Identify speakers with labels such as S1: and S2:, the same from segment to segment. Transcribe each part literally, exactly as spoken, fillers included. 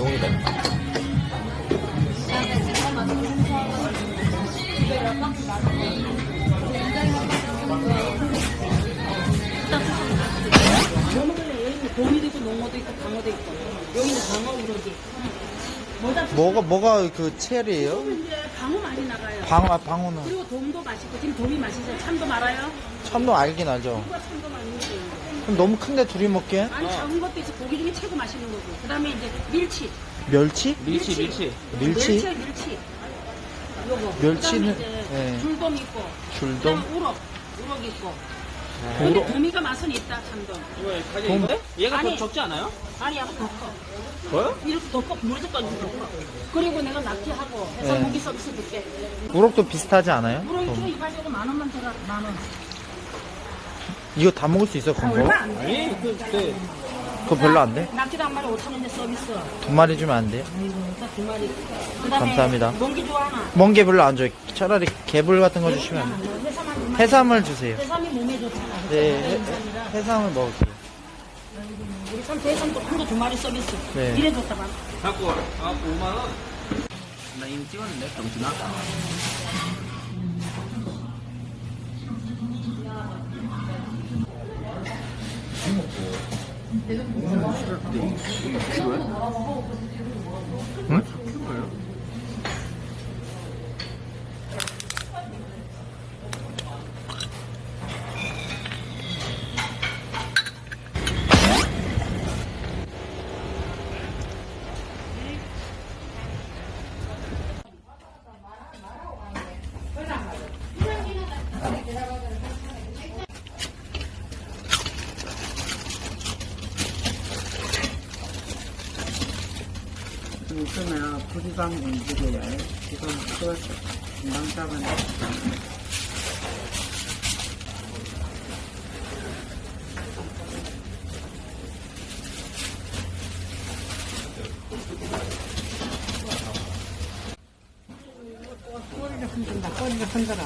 S1: 용이다.
S2: 곰이도 있고 농어도 있고 방어도 있고 여기는 방어 우럭이.
S3: 뭐가 뭐가 그 체리예요?
S2: 이제 방어 많이 나가요.
S3: 방어 아, 방어는
S2: 그리고 돔도 맛있고 지금 돔이 맛있어요. 참돔 알아요?
S3: 참돔 알긴 알죠.
S2: 누가 참돔 아닌지.
S3: 그럼 너무 큰데 둘이 먹기엔?
S2: 아니 작은 것도 있어. 고기 중에 최고 맛있는 거고. 그다음에 이제 밀치.
S3: 멸치?
S1: 밀치, 밀치.
S3: 밀치?
S2: 멸치야 밀치. 요거.
S3: 멸치는-
S2: 그다음에 이제
S3: 네.
S2: 줄돔 있고.
S3: 줄돔?
S2: 그다음에 우럭. 우럭 있고.
S3: 우럭?
S2: 근데 도미가 맛은 있다 참돔.
S1: 이거 가격 이거래? 얘가
S2: 아니.
S1: 더 적지 않아요?
S2: 아니 약간 더 커.
S1: 뭐요?
S2: 이렇게 더 커. 물에서까지 더 커. 그리고 내가 낙지하고 해서
S3: 네.
S2: 고기 서비스 줄게.
S3: 우럭도 비슷하지 않아요?
S2: 우럭
S3: 어.
S2: 키로 이발적으로 만 원만 들어. 만 원.
S3: 이거 다 먹을 수 있어,
S2: 아,
S3: 그거?
S2: 얼마 안 돼.
S1: 아니, 그, 그,
S3: 그거 별로 안 돼?
S2: 낙지도 한 마리 오천 원인데 서비스.
S3: 두 마리 주면 안 돼요?
S2: 아이고, 딱 두 마리. 그다음에
S3: 감사합니다.
S2: 멍게 좋아하나?
S3: 먼 게 별로 안 줘요. 차라리 개불 같은 거 주시면 안 돼요?
S2: 해삼 한 마리.
S3: 해삼을 주세요.
S2: 해삼이 몸에 좋다.
S3: 네, 해, 해삼을 먹을게요.
S2: 우리 삼 해삼도 한 거 두 마리 서비스.
S3: 네.
S2: 이래 줬다 봐.
S1: 갖고 와. 아, 오만 원? 나 이미 찍었는데, 정신아.
S3: 응?
S4: 있으면 부지방 움직여요. 지금 또 금방 잡아내. 꼬리를 흔든다. 꼬리를 흔들어.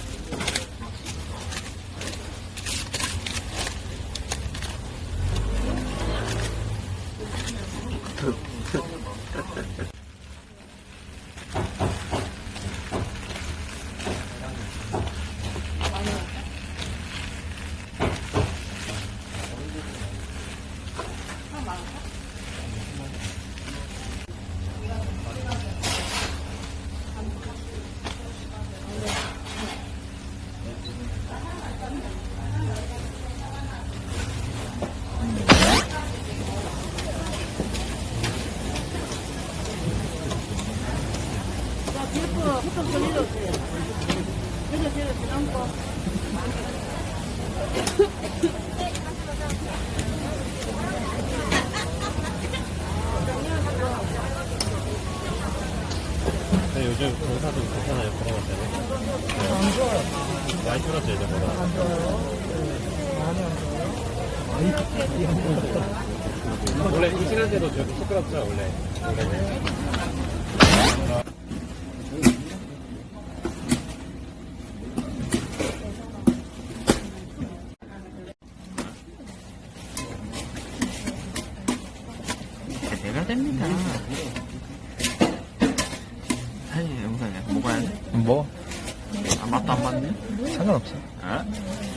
S5: 네, 요즘 공사도 괜찮아요, 코로나 때문에. 안 좋아요. 많이 줄었죠, 예전보다. 안 좋아요. 많이 안 좋아요. 원래 이 시간대도 저기 시끄럽죠, 원래. 원래는.
S3: 내가 됩니다. 아니, 영상이야. 먹어야 돼? 뭐? 아, 맛도 안 맞네? 상관없어.
S1: 어?